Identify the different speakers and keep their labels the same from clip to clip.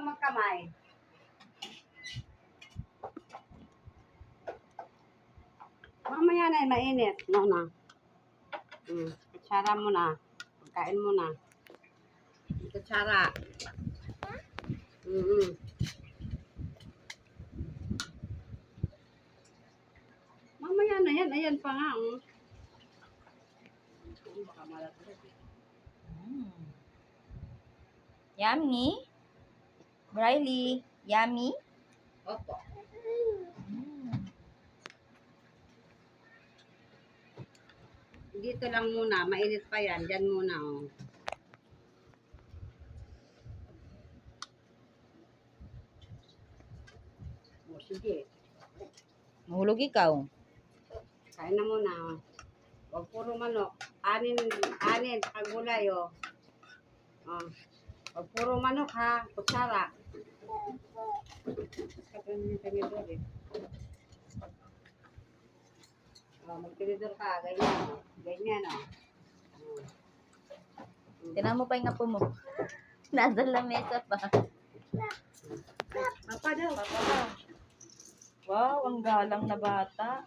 Speaker 1: kang magkamay. Mamaya na, mainit. No na. Kutsara mo na. Pagkain mo na. Kutsara. Mamaya na yan. Ayan pa nga. Baka malatag.
Speaker 2: Yummy. Briley, yummy.
Speaker 1: Opo. Dito lang muna. Mainit pa yan. Diyan muna. Oh. O, sige.
Speaker 2: Mahulog ikaw.
Speaker 1: Kain na muna. Oh. Huwag puro manok. Anin, saka gulay, oh. Oh. Huwag puro manok, ha. Kutsara. Kapag yung tinidor, eh. Oh, magtinidor ka. Ganyan, oh. Ganyan, oh.
Speaker 2: Tinan mo pa yung apo mo. Nasa lamesa pa.
Speaker 1: Papa daw.
Speaker 2: Papa daw. Wow, ang galang na bata.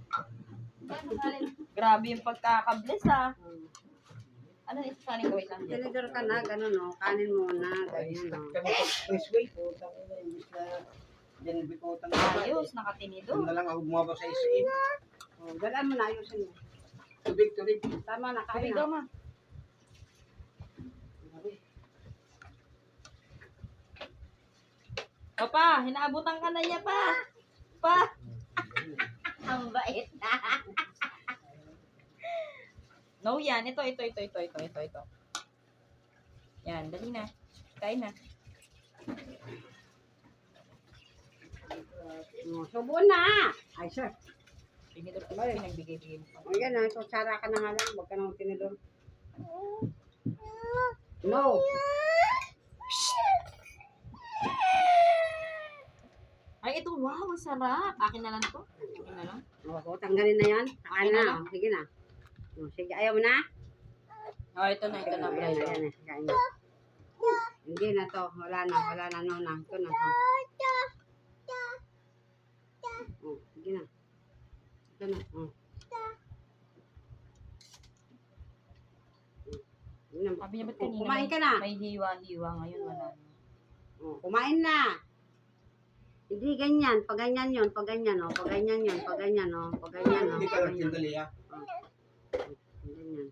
Speaker 2: Grabe yung pagkakabless, ha. Ano yung isasanin ko? Wait lang.
Speaker 1: Tinidor ka na, ganun, oh. Kanin muna. Ganyan, oh.
Speaker 3: Expressway po. Imbis na dyan bikutan na.
Speaker 2: Ayos, nakatinidor.
Speaker 3: Doon na lang ako bumaba sa SM.
Speaker 1: Oh, galaan mo na. Ayusin mo.
Speaker 3: Tubig.
Speaker 1: Tama na, kain
Speaker 2: Sabi
Speaker 1: na.
Speaker 2: daw, ma. Papa, hinaabutan ka na niya pa. Pa. Ang bait na. No, yan. Ito. Yan, dali na. Kain na.
Speaker 1: Oh, subo na. Ay, sir.
Speaker 2: Tinidor ko ba? Pinagbigay-bigay mo pa.
Speaker 1: O yan, kutsara ka na nga lang. Huwag ka nang tinidor. No.
Speaker 2: Ay, ito. Wow, ang sarap. Akin na lang to. Akin na lang.
Speaker 1: O, tanggalin na yan. Kain
Speaker 2: Okay na
Speaker 1: na.
Speaker 2: lang.
Speaker 1: Sige na. O, sige, ayaw mo na?
Speaker 2: Oh, ito na. Ito na.
Speaker 1: O, yan, yan, kain na. Hindi na to. Wala na. No na. Ito na. O, sige na. Ito na. O.
Speaker 2: Sabi niya ba't kanina?
Speaker 1: Kumain ka na.
Speaker 2: May hiwa-hiwa. Ngayon wala na.
Speaker 1: O, kumain na. Hindi ganyan. Pag ganyan yun. Pag ganyan, o. Pag ganyan yun. Pag ganyan, o. Pag ganyan, o.
Speaker 3: Hindi ka
Speaker 1: Pag
Speaker 3: lang
Speaker 1: ganyan.
Speaker 3: tindali ha.
Speaker 1: Ganyan.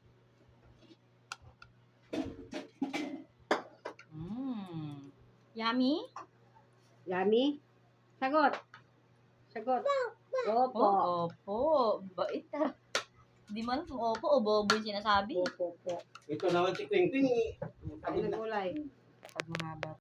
Speaker 2: Yummy?
Speaker 1: Yummy? Sagot. Opo.
Speaker 2: Opo. Bait ah. Di man kung opo o bobo yung sinasabi.
Speaker 1: Opo.
Speaker 3: Ito naman si Quing Quing.
Speaker 1: Kain na gulay.
Speaker 2: Pag mahaba.